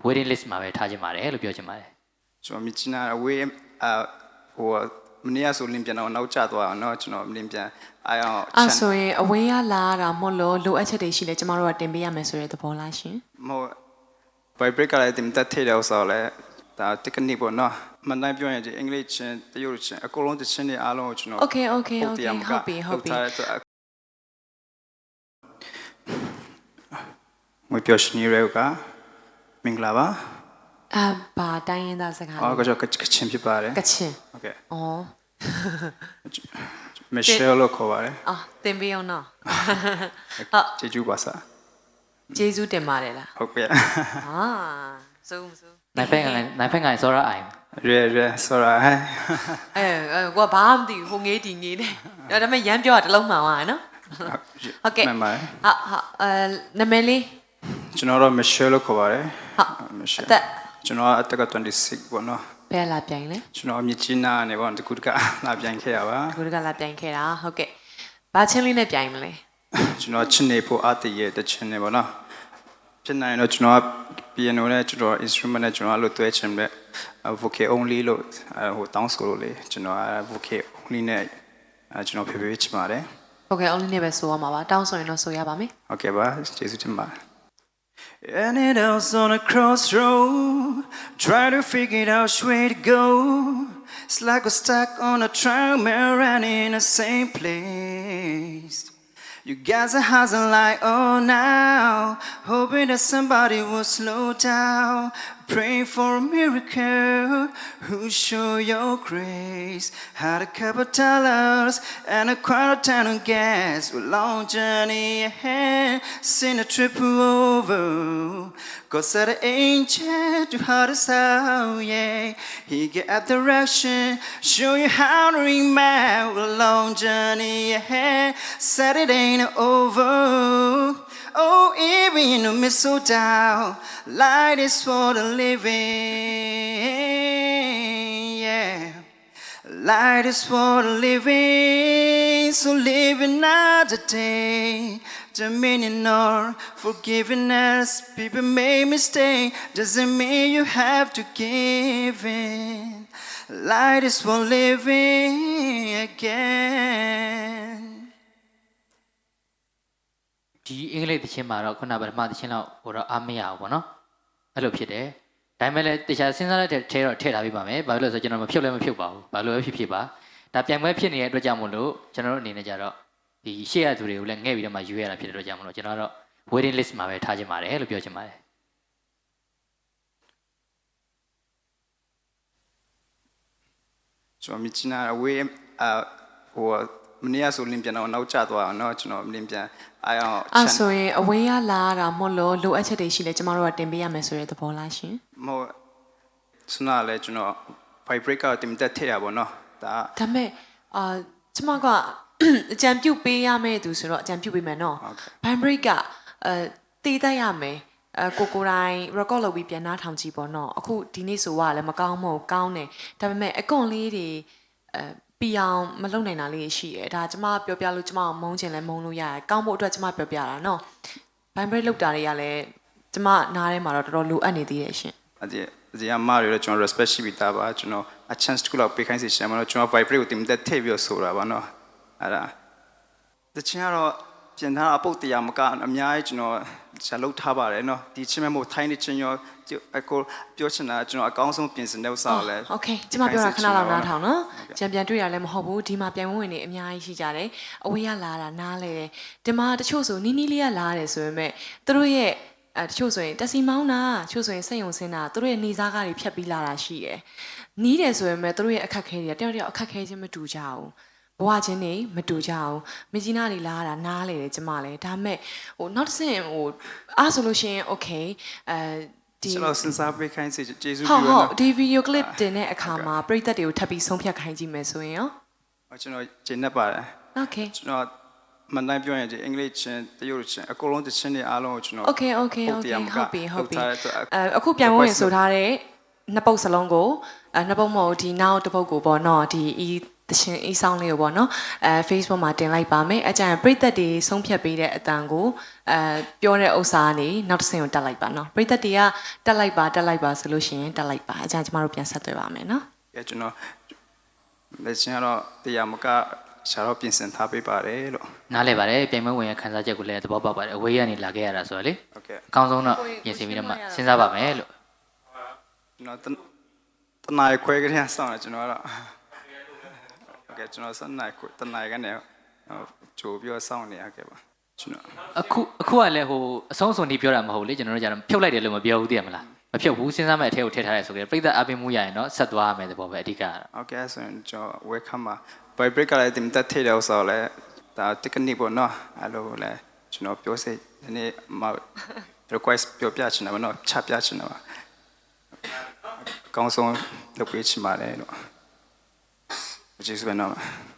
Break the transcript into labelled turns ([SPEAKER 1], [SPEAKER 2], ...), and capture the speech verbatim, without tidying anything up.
[SPEAKER 1] waiting list မှာပဲထားခြင်းပါတယ်လို့ပြောချင်ပါတယ်
[SPEAKER 2] ကျွန်တော်မြင်ချင်တာဝေးအဟိုမနေ့ကဆိုလင်းပြန်တော့နောက်ကျသွားအောင်เนาะကျွန်တော်လင်းပြန်အားအောင်
[SPEAKER 3] အဲ့ဆိုရင်အဝေးရလာတာမဟုတ်လို့လိုအပ်ချက်တွေရှိလဲကျမတို့ကတင်ပေးရမယ်ဆိုတဲ့သဘောလားရှင်
[SPEAKER 2] မဟုတ် vibrate ကလည်းတင်တက်ထဲတယ်ဆိုတော့ဒါ technique ပေါ့เนาะမန်တိုင်းပြောရင်ဒီအင်္ဂလိပ်ချင်းတရုတ်ချင်းအကုန်လုံးတချင်းတွေအားလုံးကိုကျွန်တော်
[SPEAKER 3] Okay okay okay ဟုတ်ပြီဟုတ်ပြီ
[SPEAKER 2] မပြောရှင်ရဲကမင်္ဂလာပါ
[SPEAKER 3] အဘာတိုင်းရင်းသားစကား
[SPEAKER 2] အော်ကြောကချင်းဖြစ်ပါတယ်
[SPEAKER 3] ကချင်း
[SPEAKER 2] โอเค
[SPEAKER 3] อ๋อ
[SPEAKER 2] မရှယ်လို့ခေါ်ပါတယ်
[SPEAKER 3] အာတင်ပေးအောင်နော်ဟုတ်
[SPEAKER 2] ကျေးဇူးပါဆာ
[SPEAKER 3] ကျေးဇူးတင်ပါတယ်လား
[SPEAKER 2] ဟုတ်ကဲ့
[SPEAKER 3] ဟာစိုးမစိုး
[SPEAKER 1] နိုင်ဖက်ကန်နိုင်ဖက်ကန်စောရအိုင်
[SPEAKER 2] ရဲရဲစောရဟဲ့
[SPEAKER 3] အဲကိုကဘာမှမသိဘူးဟိုငေးတီငေးတယ်ဒါပေမဲ့ရမ်းပြောတာတစ်လုံးမှန်သွားတယ်နော်ဟုတ်ကဲ့
[SPEAKER 2] မှန်ပါတယ်
[SPEAKER 3] ဟာဟာအဲနာမည်လေး
[SPEAKER 2] ကျွန်တော်တော့မရှယ်လို့ခေါ်ပါတယ်
[SPEAKER 3] ဟုတ်
[SPEAKER 2] မရှယ်အသက်ကျွန်တော်အသက်ကtwenty-sixပေါ့နော်
[SPEAKER 3] ဘယ်လာပြိုင်လဲ
[SPEAKER 2] ကျွန်တော်မြစ်ကြီးနားနေပေါ့တကူတကလာပြိုင်ခဲ့ရပါ
[SPEAKER 3] တကူတကလာပြိုင်ခဲ့တာဟုတ်ကဲ့ဘာချင်းလေးနဲ့ပြိုင်မလဲ
[SPEAKER 2] ကျွန်တော်ချင်းနေဖို့အတည်ရဲ့တချင်းနေပေါ့နော်ဖြစ်နိုင်တော့ကျွန်တော် piano နဲ့ကျွန်တော် instrument နဲ့ကျွန်တော်အဲ့လိုတွဲချင်တဲ့ vocal only လို့ဟိုတောင်းဆိုလို့လေကျွန်တော် vocal only နဲ့ကျွန်တော်ဖေဖေချင်ပါတယ်
[SPEAKER 3] vocal only နဲ့ပဲဆိုရမှာပါတောင်းဆိုရင်တော့ဆိုရပါမယ်
[SPEAKER 2] ဟုတ်ကဲ့ပါကျေးဇူးတင်ပါတယ် And it else on a crossroad, try to figure out which way to go. It's like we're stuck on a treadmill and in the same place. You guys are hustling like oh now, hoping that somebody will slow down. Pray for a miracle, who show your grace. Had a couple dollars and a quarter ton of gas. A long journey ahead, seen a trip over. God said an angel to heart us out, yeah. He gave up direction, show you how to remember. A long journey ahead, said it ain't over. Oh, even in the mistletoe, light is for the living, yeah. Light is for the living, so live another day. Dominion or forgiveness, people make mistakes, doesn't mean you have to give in. Light is for living again.
[SPEAKER 1] ဒီအင်္ဂလိပ်သချင်းမှာတော့ခုနကပထမသချင်းတော့ဟိုတော့အားမရဘူးပေါ့နော်အဲ့လိုဖြစ်တယ်ဒါပေမဲ့လည်းတခြားစဉ်းစားတဲ့ထဲတော့ထည့်ထားပေးပါမယ်ဘာလို့လဲဆိုတော့ကျွန်တော်မဖြုတ်လည်းမဖြုတ်ပါဘူးဘာလို့လဲဖြစ်ဖြစ်ပါဒါပြိုင်ပွဲဖြစ်နေတဲ့အတွက်ကြောင့်မို့လို့ကျွန်တော်တို့အနေနဲ့ကြတော့ဒီရှေ့ရသူတွေကိုလည်းငှဲ့ပြီးတော့မှယူရတာဖြစ်တဲ့အတွက်ကြောင့်မို့လို့ကျွန်တော်တော့ waiting list မှာပဲထားခြင်းပါတယ်လို့ပြောချင်ပါတယ်
[SPEAKER 2] ကျွန်တော်မြင်ချင်တာဝေးအဟိုမနေ့ကဆိုလင်းပြန်တော့နောက်ကျသွားအောင်เนาะကျွန်တော်လင်းပြန်အားအောင်
[SPEAKER 3] အဲ့ဆိုရင်အဝေးရလာတာမဟုတ်လို့လိုအပ်ချက်တွေရှိလဲကျမတို့ကတင်ပေးရမယ်ဆိုတဲ့သဘောလားရှင်
[SPEAKER 2] မဟုတ်စနာလဲကျွန်တော် vibrate ကတင်တက်ထည့်ရပါတော့ဒါ
[SPEAKER 3] ဒါမဲ့အာကျမကအကြံပြုတ်ပေးရမယ်သူဆိုတော့အကြံပြုတ်ပေးမယ်နော် vibrate ကအဲတည်တတ်ရမယ်အဲကိုကိုတိုင်း record လုပ်ပြီးပြန်နှားထောင်ကြည့်ပေါ့နော်အခုဒီနေ့ဆိုว่าလည်းမကောင်းမဟုတ်ကောင်းတယ်ဒါပေမဲ့အကွန်လေးတွေအဲပြအောင်မလုပ်နိုင်တာလေးရှိတယ်ဒါကျမပြောပြလို့ကျမအောင်မုန်းချင်လဲမုန်းလို့ရတယ်ကောင်းဖို့အတွက်ကျမပြောပြတာနော် vibrate လုပ်တာတွေကလည်းကျမနားထဲမှာတော့တော်တော်လိုအပ်နေသေးတယ်ရှင်
[SPEAKER 2] အဲ့ဒီဒီအမားတွေကျွန်တော် respect ရှိပြီးသားပါကျွန်တော် a chance တခုလောက်ပေးခိုင်းစီရှင်မလို့ကျွန်တော် vibrate ကိုတင်တက်ထည့်ပြီးဆိုတာပါနော်အဲ့ဒါတချင်ကတော့ပြင်ထားအပုတ်တရားမကအများကြီးကျွန်တော်ဇာလုပ်ထားပါတယ်နော်ဒီချင်းမဲ့မို့ထိုင်းနေချင်းရောအကိုပြောချင်တာကျွန်တော်အကောင်းဆုံးပြင်ဆင်တဲ့ဥစ္စာကိုလည်း
[SPEAKER 3] Okay ကျမပြောတာခဏလောက်နားထောင်နော်ကြံပြန်တွေ့ရလဲမဟုတ်ဘူးဒီမှာပြန်ဝင်နေအများကြီးရှိကြတယ်အဝေးရလာတာနားလဲတယ်ဒီမှာတချို့ဆိုနီးနီးလေးကလာတယ်ဆိုပေမဲ့သူတို့ရဲ့အဲတချို့ဆိုရင်တက်စီမောင်းတာတချို့ဆိုရင်စိတ်ယုံစင်းတာသူတို့ရဲ့နေစားကားတွေဖြတ်ပြီးလာတာရှိတယ်နီးတယ်ဆိုပေမဲ့သူတို့ရဲ့အခက်ခဲတွေတယောက်တယောက်အခက်ခဲချင်းမတူကြဘူးဘဝချင်းနေမတူကြအောင်မကြီးနားတွေလာတာနားလေတယ်ကျမလည်းဒါပေမဲ့ဟိုနောက်တစ်ဆင့်ဟိုအားဆိုလို့ရှိရင် okay အဲဒီ
[SPEAKER 2] ကျွန်တော်စဉ်းစားပေးခိုင်းစီကျေးဇူး
[SPEAKER 3] ပြုရနော်ဟုတ်ဒီ video clip တင်တဲ့အခါမှာပရိသတ်တွေကိုထပ်ပြီးဆုံးဖြတ်ခိုင်းကြည့်မယ်ဆိုရင်ရော
[SPEAKER 2] ကျွန်တော်ကျင်းနေပါတယ်
[SPEAKER 3] okay
[SPEAKER 2] ကျွန်တော်မန်တိုင်းပြောရင်ဒီအင်္ဂလိပ်ချင်းတရုတ်ချင်းအကုန်လုံးတချင်းတွေအားလုံးကိုကျွန်တော်
[SPEAKER 3] okay okay okay ဟုတ်ပြီဟုတ်ပြီအဲအခုပြန်ဝင်ဆိုထားတဲ့နှစ်ပုတ်စလုံးကိုအဲနှစ်ပုတ်မဟုတ်ဒီနောက်တစ်ပုတ်ကိုပေါ့နော်ဒီတရှင်အေးဆောင်လေးကိုပေါ့နော်အဲ Facebook မှာတင်လိုက်ပါမယ်အကြံပရိသတ်တွေဆုံးဖြတ်ပေးတဲ့အတန်ကိုအဲပြောတဲ့ဥစ္စာကနေနောက်တစ်ဆင့်ကိုတက်လိုက်ပါနော်ပရိသတ်တွေကတက်လိုက်ပါတက်လိုက်ပါဆိုလို့ရှိရင်တက်လိုက်ပါအကြံကျမတို့ပြန်ဆက်သွယ်ပါမယ်နော်
[SPEAKER 2] ကဲကျွန်တော်လက်ချင်းတော့တရားမကရှာတော့ပြင်ဆင်ထားပေးပါတယ်လို့
[SPEAKER 1] နားလဲပါတယ်ပြိုင်ပွဲဝင်ရခန်းစားချက်ကိုလည်းသဘောပေါက်ပါတယ်အဝေးကနေလာခဲ့ရတာဆိုတော့လေ
[SPEAKER 2] ဟုတ်ကဲ့
[SPEAKER 1] အကောင်းဆုံးတော့ပြင်ဆင်ပြီးတော့မှစဉ်းစားပါမယ်လို့
[SPEAKER 2] ကျွန်တော်တနင်္ခွဲကလေးဆောင်းတယ်ကျွန်တော်ကတော့ဟုတ်ကဲ့ကျွန်တော်စနေခွဲတနင်္ကနေကြိုပြီးဆောင်းနေရခဲ့ပါကျွန်တော်
[SPEAKER 1] အခုအခုကလည်းဟိုအဆုံးအစွန်ဒီပြောတာမဟုတ်လေကျွန်တော်တို့ကျတော့ဖြုတ်လိုက်တယ်လို့မပြောဘူးသိရမလားမဖြုတ်ဘူးစဉ်းစားမဲ့အထဲကိုထည့်ထားရဲဆိုကြတယ်ပြိတ္တအပင်မှုရရင်တော့ဆက်သွားရမယ်သဘောပဲအဓိကကတော့
[SPEAKER 2] ဟုတ်ကဲ့ဆိုရင်ကျွန်တော် welcome ပါ by break ကလည်းတင်တက်ထိတယ်ဆိုတော့လေဒါ technique ပေါ့နော်အဲ့လိုလေကျွန်တော်ပြောစိဒီနေ့မ request ပြောပြချင်တယ်ဗောနော်ချပြချင်တယ်ပါအကောင်းဆုံးလုပ်ပေးချင်ပါတယ်လို့ကျေးဇူးပဲနော်